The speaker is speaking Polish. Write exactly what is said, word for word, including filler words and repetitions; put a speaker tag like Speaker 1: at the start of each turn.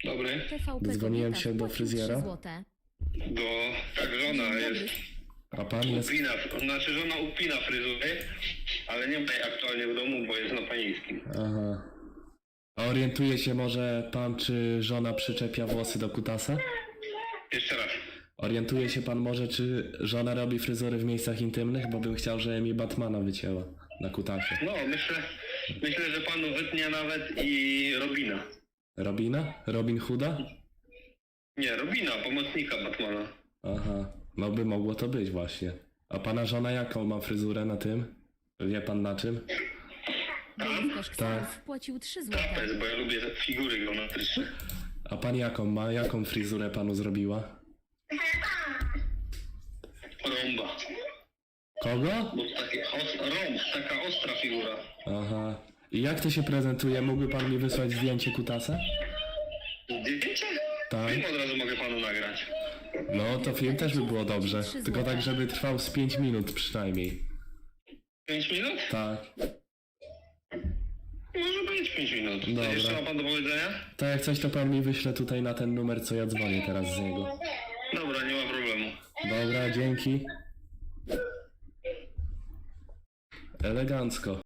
Speaker 1: Dobry.
Speaker 2: T V P
Speaker 3: Dzwoniłem
Speaker 2: Kobieta
Speaker 3: się do
Speaker 2: wpłacił
Speaker 3: fryzjera.
Speaker 2: trzy złote.
Speaker 1: Do... Tak, żona
Speaker 2: Dzień
Speaker 1: jest...
Speaker 2: dobry.
Speaker 3: A pan jest...
Speaker 1: Upina, znaczy żona upina fryzury, ale nie ma jej aktualnie w domu, bo jest na panieńskim.
Speaker 3: Aha. A orientuje się może pan, czy żona przyczepia włosy do kutasa?
Speaker 1: Jeszcze raz.
Speaker 3: Orientuje się pan może, czy żona robi fryzury w miejscach intymnych? Bo bym chciał, żeby mi Batmana wycięła na kutasie.
Speaker 1: No, myślę, myślę, że panu wytnie nawet i Robina.
Speaker 3: Robina? Robin Hooda?
Speaker 1: Nie, Robina, pomocnika Batmana.
Speaker 3: Aha. No by mogło to być właśnie. A pana żona jaką ma fryzurę na tym? Wie pan na czym?
Speaker 2: Bojówkarz
Speaker 3: Tak.
Speaker 2: Ksarów wpłacił trzy
Speaker 1: To
Speaker 2: złote.
Speaker 1: jest, bo ja lubię te figury geometryczne.
Speaker 3: A pan jaką ma? Jaką fryzurę panu zrobiła?
Speaker 1: Rąba.
Speaker 3: Kogo?
Speaker 1: Bo to takie os, rąb, taka ostra figura.
Speaker 3: Aha. I jak to się prezentuje? Mógłby pan mi wysłać zdjęcie kutasa?
Speaker 1: Zdjęcie?
Speaker 3: Tak.
Speaker 1: Film od razu mogę panu nagrać.
Speaker 3: No to film też by było dobrze. Tylko tak, żeby trwał z pięć minut przynajmniej.
Speaker 1: pięć minut?
Speaker 3: Tak.
Speaker 1: Może być pięć minut. Co
Speaker 3: Dobra.
Speaker 1: jeszcze ma pan do powiedzenia?
Speaker 3: To jak coś, to pan mi wyśle tutaj na ten numer, co ja dzwonię teraz z niego.
Speaker 1: Dobra, nie ma problemu.
Speaker 3: Dobra, dzięki. Elegancko.